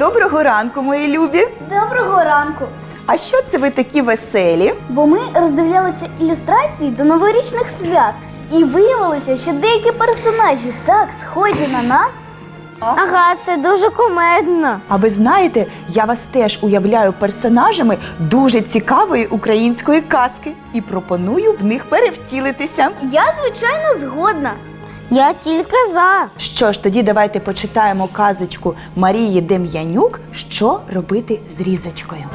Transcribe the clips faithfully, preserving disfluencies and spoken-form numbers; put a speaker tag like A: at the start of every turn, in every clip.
A: Доброго ранку, мої любі!
B: Доброго ранку!
A: А що це ви такі веселі?
B: Бо ми роздивлялися ілюстрації до новорічних свят і виявилося, що деякі персонажі так схожі на нас. Ага, це дуже кумедно.
A: А ви знаєте, я вас теж уявляю персонажами дуже цікавої української казки і пропоную в них перевтілитися.
B: Я, звичайно, згодна. Я тільки за.
A: Що ж, тоді давайте почитаємо казочку Марії Дем'янюк «Що робити з різочкою».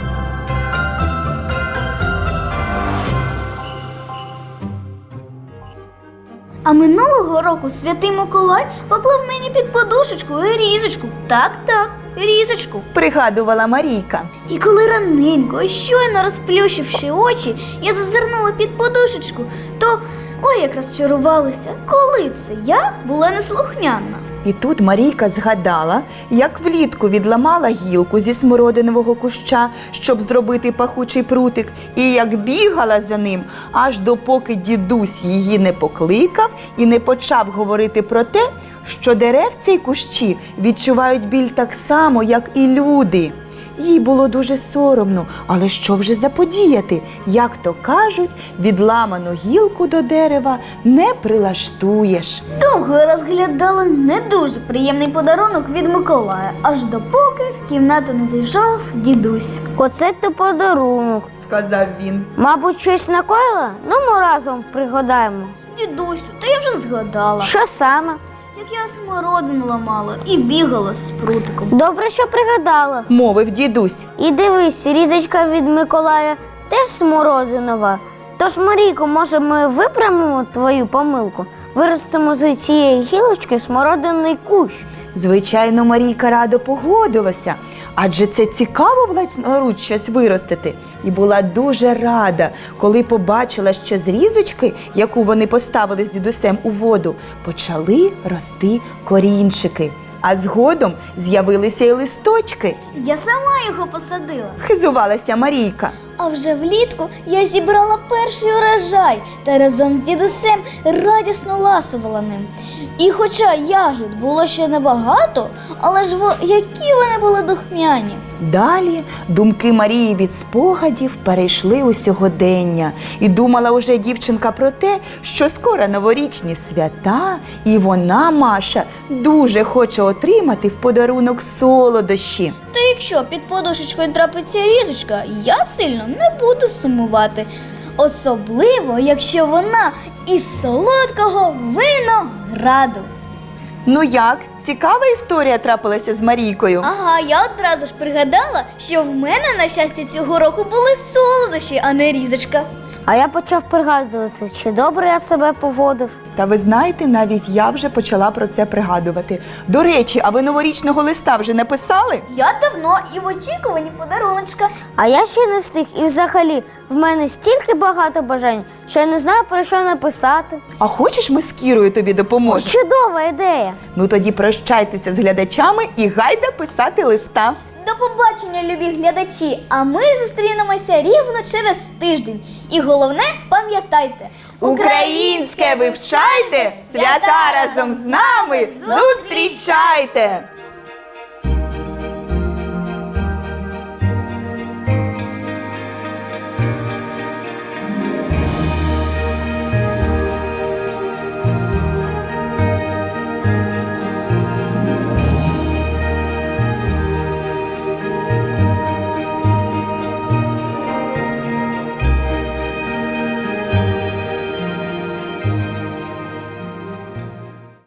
B: А минулого року святий Миколай поклав мені під подушечку різочку. Так, так, різочку.
A: Пригадувала Марійка.
B: І коли раненько, щойно розплющивши очі, я зазирнула під подушечку, то ой, як розчарувалася, коли це я була неслухняна.
A: І тут Марійка згадала, як влітку відламала гілку зі смородинового куща, щоб зробити пахучий прутик, і як бігала за ним, аж допоки дідусь її не покликав і не почав говорити про те, що деревця й кущі відчувають біль так само, як і люди. Їй було дуже соромно, але що вже заподіяти? Як то кажуть, відламану гілку до дерева не прилаштуєш.
B: Довго я розглядала не дуже приємний подарунок від Миколая, аж допоки в кімнату не зайшов дідусь. Оце то подарунок.
A: Сказав він.
B: Мабуть, щось накоїла? Ну, ми разом пригадаємо. Дідусю, та я вже згадала. Що саме? Як я смородину ламала і бігала з прутиком. Добре, що пригадала.
A: Мовив дідусь.
B: І дивись, різочка від Миколая теж смородинова. Тож, Марійко, може, ми виправимо твою помилку? Виростимо з цієї гілочки смородинний кущ.
A: Звичайно, Марійка радо погодилася, адже це цікаво власноруч щось виростити. І була дуже рада, коли побачила, що з різочки, яку вони поставили з дідусем у воду, почали рости корінчики. А згодом з'явилися й листочки.
B: Я сама його посадила.
A: Хизувалася Марійка.
B: А вже влітку я зібрала перший урожай та разом з дідусем радісно ласувала ним. І хоча ягід було ще небагато, але ж во- які вони були духмяні.
A: Далі думки Марії від спогадів перейшли у сьогодення. І думала уже дівчинка про те, що скоро новорічні свята, і вона, Маша, дуже хоче отримати в подарунок солодощі.
B: Та якщо під подушечкою трапиться різочка, я сильно не буду сумувати. Особливо, якщо вона із солодкого винограду.
A: Ну як? Цікава історія трапилася з Марійкою?
B: Ага, я одразу ж пригадала, що в мене, на щастя, цього року були солодощі, а не різочка. А я почав пригадуватися, чи добре я себе поводив.
A: Та ви знаєте, навіть я вже почала про це пригадувати. До речі, а ви новорічного листа вже написали?
B: Я давно і в очікуванні подаруночка. А я ще не встиг. І взагалі, в мене стільки багато бажань, що я не знаю, про що написати.
A: А хочеш, ми з Кірою тобі допоможемо?
B: Чудова ідея.
A: Ну тоді прощайтеся з глядачами і гайда писати листа.
B: До побачення, любі глядачі, а ми зустрінемося рівно через тиждень. І головне, пам'ятайте,
A: Українське вивчайте, свята разом з нами зустрічайте!